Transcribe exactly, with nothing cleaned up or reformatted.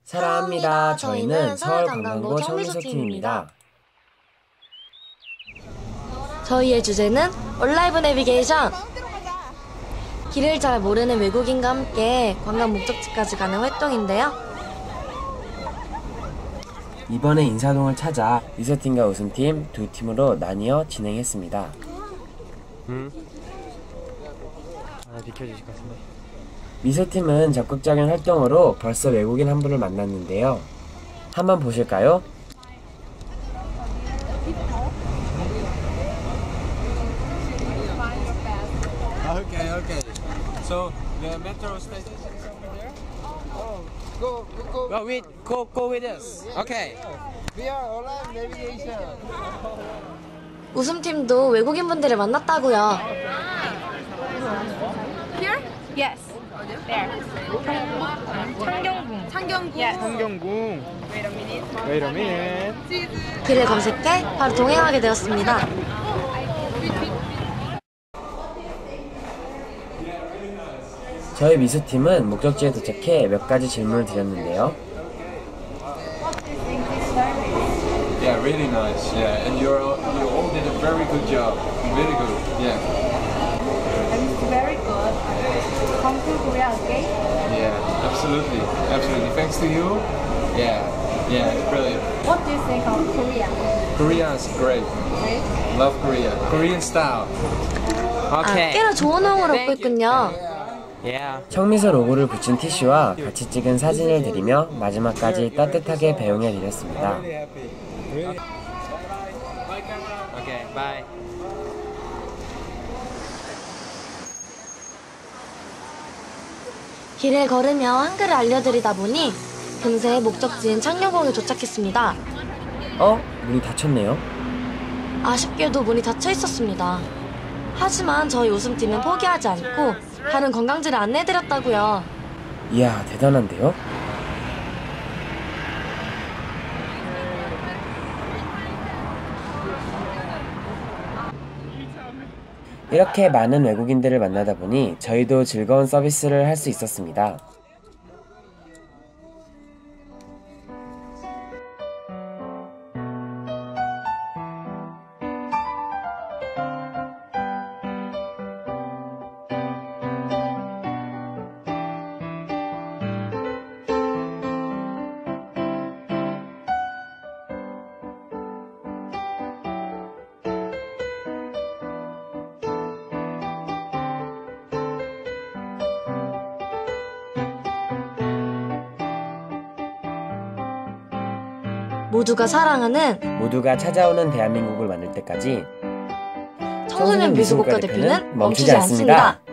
사랑합니다. 저희는 서울관광고 청미소팀입니다. 저희의 주제는 온라이브 내비게이션. 길을 잘 모르는 외국인과 함께 관광 목적지까지 가는 활동인데요. 이번에 인사동을 찾아 미소팀과 웃음팀 두 팀으로 나뉘어 진행했습니다. 음? 아, 비켜주실 것 같은데. 미소팀은 적극적인 활동으로 벌써 외국인 한 분을 만났는데요. 한번 보실까요? Okay, okay. So the metro station is over there. Oh, go, go, go. Oh, wait, go, go with us. Okay. We are online navigation. 웃음팀도 외국인분들을 만났다고요. Here? Yes. There. 창경궁. 창경궁. Yes. 창경궁. Wait a minute. Wait a minute. 길을 검색해 바로 동행하게 되었습니다. 저희 미소팀은 목적지에 도착해 몇 가지 질문을 드렸는데요. Yeah, really nice. Yeah, and you're all, you all did a very good job. Really good. Yeah. And it's very good. Come to Korea again? Yeah, absolutely, absolutely. Thanks to you. Yeah, yeah, it's brilliant. What do you think of Korea? Korea is great. Great. Love Korea. Korean style. 아, 꽤나 좋은 호응을 얻고 있군요. Yeah. 청미소 로고를 붙인 티슈와 같이 찍은 사진을 드리며 마지막까지 따뜻하게 배웅해 드렸습니다. Okay, bye. 길을 걸으며 한글을 알려드리다 보니 금세 목적지인 창녕공에 도착했습니다. 어? 문이 닫혔네요. 아쉽게도 문이 닫혀 있었습니다. 하지만 저희 웃음팀은 포기하지 않고 다른 관광지를 안내해드렸다고요. 이야, 대단한데요? 이렇게 많은 외국인들을 만나다 보니 저희도 즐거운 서비스를 할 수 있었습니다. 모두가 사랑하는 모두가 찾아오는 대한민국을 만들 때까지 청소년 미술국가 대표는 멈추지 않습니다.